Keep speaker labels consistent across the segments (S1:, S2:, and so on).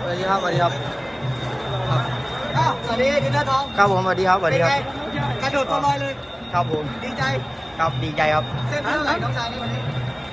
S1: วัสดีครับสวัสดีครับ
S2: สวัสดีดินเนอร์ทอง
S1: ครับผมสวัสดีครับสวัสดีครับ
S2: กระโดดตัวลอยเลย
S1: ครับผม
S2: ดีใจ
S1: ครับดีใจครับ
S2: เส้นเท่าไหร่น้องชายในวันนี้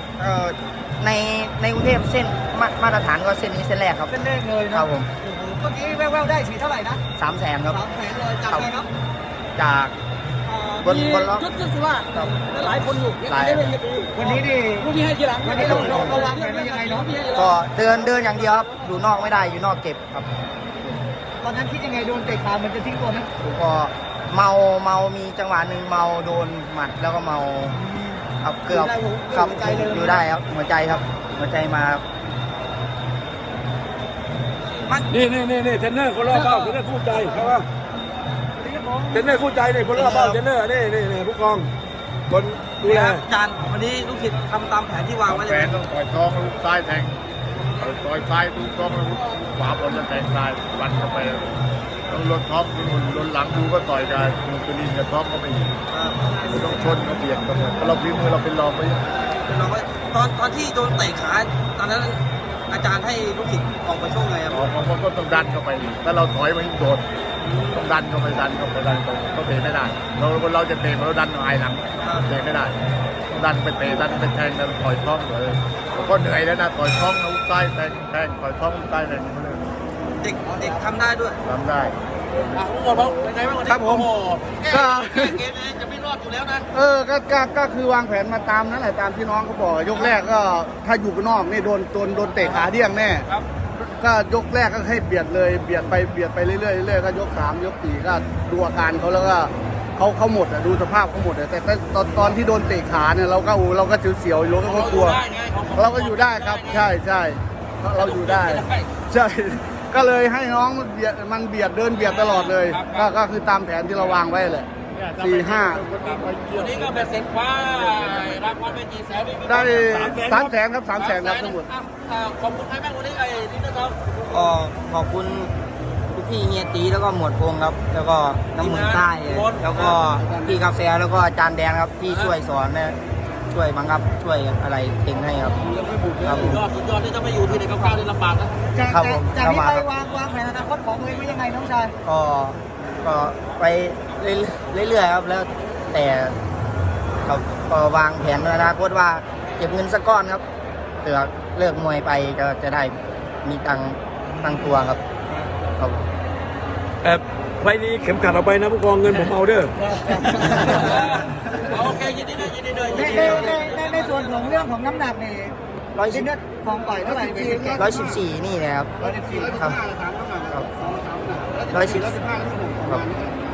S1: ในกรุงเทพเส้นมาตรฐานก็เส้นนี้เส้นแรกครับ
S2: เส้นแรกเลยนะครับ
S1: ผม
S2: เมื่อกี้แววๆได้ฉีดเท่าไหร่นะ
S1: 300,000ครับ
S2: 300,000เลยจากไหนครับ
S1: จากบนล็อก
S3: จุดสุราษฎร์หลายคนอยู่
S1: หลาย
S2: วันนี้นี่
S3: ลูกพี่ให้ทีหลัง
S2: วันนี้เราวางแผนว่ายังไงเนาะ
S1: ก็เดินอย่างเดียวครับอยู่นอกไม่ได้อยู่นอกเก็บครับ
S2: ตอนนั้นคิดยังไงโดนเตะขามันจะทิ้งตัวไหม
S1: ก็เมามีจังหวะหนึ่งเมาโดนหมัดแล้วก็เมาครับเกือบครับอยู่ได้ครับหัวใจครับหัวใจมา
S4: นี่เทรนเนอร์คนรอบเบ้าเทรนเนอร์คู่ใจครับว่าเทรนเนอร์คู่ใจเนี่ยคนรอบเบ้าเทรนเนอร์นี่ผู้กองคนดูแล
S3: จานวันนี้ลูกศิษย์ทำตามแผนที่วางไว้
S5: แผนต้องต่อยท้องลูกซ้ายแทงต่อยซ้ายลูกท้องลูกขวาบนแล้วแทงซ้ายฟันเข้าไปต้องลดท้องลดหลังดูก็ต่อยกันมูตุลินกับท้องก็ไม่อยู่ต้องชนก็เบียดกันเลยเราพิมพ์เราเป็นรองไป
S3: ตอนที่โดนเตะขาตอนนั้นอาจารย์ให้ลูกศิษย์ออกไปช่วงไงครับ
S5: ออกมาก็ต้องดันเข้าไปถ้าเราถอยมันโดดต้องดันเข้าไปก็เตะไม่ได้เราจะเตะเราดันหายหลังเตะไม่ได้ต้องดันไปเตะดันไปแทงดันต่อยท้องเลยก็เหนื่อยแล้วนะต่อยท้องลูกซ้ายแทงต่อยท้องลูกซ้ายแทง
S3: เด็กทำได้ด้วย
S5: ทำได้
S4: ครับผม
S3: ก็เกมนี้จะไม่รอดอยู่แล้วนะ
S4: ก็คือวางแผนมาตามนั่นแหละตามที่น้องเขาบอกยกแรกก็ถ้าอยู่ข้างนอกนี่โดนเตะขาเดี่ยงแน่ก็ยกแรกก็ให้เบียดเลยเบียดไปเรื่อยๆก็ยก3ยก4ก็ดูอาการเขาแล้วก็เขาหมดดูสภาพเขาหมดแต่ตอนที่โดนเตะขาเนี่ยเราก็เสียวๆอยู่ก็กลัวเราก็อยู่ได้ครับใช่เราอยู่ได้ใช่ก็เลยให้น้องมันเบียดเดินเบียดตลอดเลยก็คือตามแผนที่เราวางไว้เลย4-5
S3: วันนี้ก็เป็นเซ็นคว้ารางวัลไปกี่แสน
S4: ได้300,000ครับ300,000ครับทั้งหมด
S3: ขอบคุณใครบ้างวันนี้ไอ้ดินเนอร์ทอง
S1: ขอบคุณพี่เฮียตีแล้วก็หมวดพงครับแล้วก็น้ำมือใต้แล้วก็พี่กาแฟแล้วก็อาจารย์แดงครับที่ช่วยสอนนะช่วยบังคับช่วยอะไรเก่งให้ครับ
S3: สุดยอดที่จะไม่อยู่ที่ในก้าวนี่ลำบากนะ
S2: จากนี้ไปวางแผนอนาคตของตัวเองไว้ยังไงน้องชาย
S1: ก็ไปเรื่อยๆครับแล้วแต่ก็วางแผนอนาคตว่าเก็บเงินสักก้อนครับเผื่อเลิกมวยไปก็จะได้มีตั้งตัวครับ
S4: ไฟนี้เข็มขัดเอาไปนะผู้กองเงินผมเอาเด้อ
S3: โอเคยินดีด้วย
S2: ในส่วนของเรื่องของน้ำหนักนี่ดินเนอร์ทองต่อยเท่าไหร่
S1: 114นี่นะครับ
S2: 114
S1: ครับ114ครับ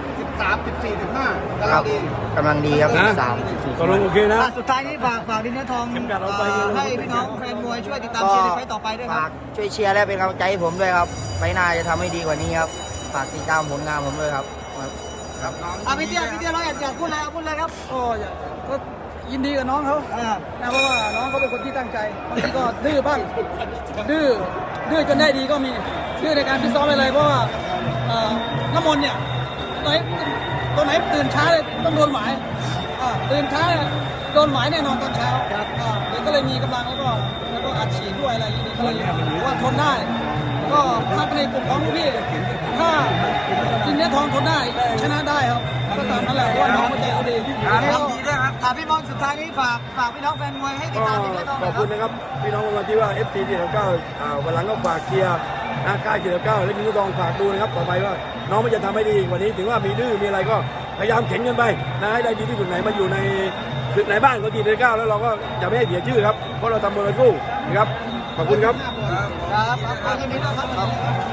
S1: กำลังดีครับ
S4: ตกลงโอเคนะ
S2: สุดท้ายนี้ฝากดินเนอร์ทองให้พี่น้องแฟนมวยช่วยติดตามเชียร์ในไฟต่อไปด้วยครับ
S1: ช่วยเชียร์และเป็นกำลังใจให้ผมด้วยครับไฟหน้าจะทำให้ดีกว่านี้ครับฝากติดตามผลงานผมด้วยครับ
S2: พี่เตี้ยเราอยากพูดอะไรครับ
S3: ก็ยินดีกับน้องเขาเพราะว่าน้องเขาเป็นคนที่ตั้งใจบางทีก็ดื้อบ้างดื้อจนได้ดีก็มีดื้อในการพิซ้อมอะไรเพราะว่าน้ำมนต์เนี่ยตัวไหนตื่นช้าเลยต้องโดนหมายตื่นช้าโดนหมายแน่นอนตอนเช้าเด็กก็เลยมีกำลังแล้วก็อัดฉีดด้วยอะไรอย่างนี้ก็เลยว่าทนได้ก็ถ้าในกลุ่มของพี่ถ้าดินเนอร์ทองทนได้ชนะได้ครับก็ตามนั้นแหละว่าน้องใจเขาดี
S2: ครับพี่มองสุดท้ายนี้ฝากพี่น้องแฟนมวยให้ติดตามดินเนอร์ทอง
S4: ขอบคุณนะครับพี่น้องวันที่ว่า FC 499วันหลังก็ฝากเชียร์ค่าย499และดินเนอร์ทองฝากดูนะครับต่อไปว่าน้องมันจะทำให้ดีวันนี้ถึงว่ามีดื้อมีอะไรก็พยายามเข็นกันไปนะให้ได้ดีที่สุดไหนมาอยู่ในศึกไหนบ้านของ499แล้วเราก็จะไม่ให้เสียชื่อครับเพราะเราทำบอลสู้นะครับขอบคุณครับ
S2: ยินดีต้อนรับ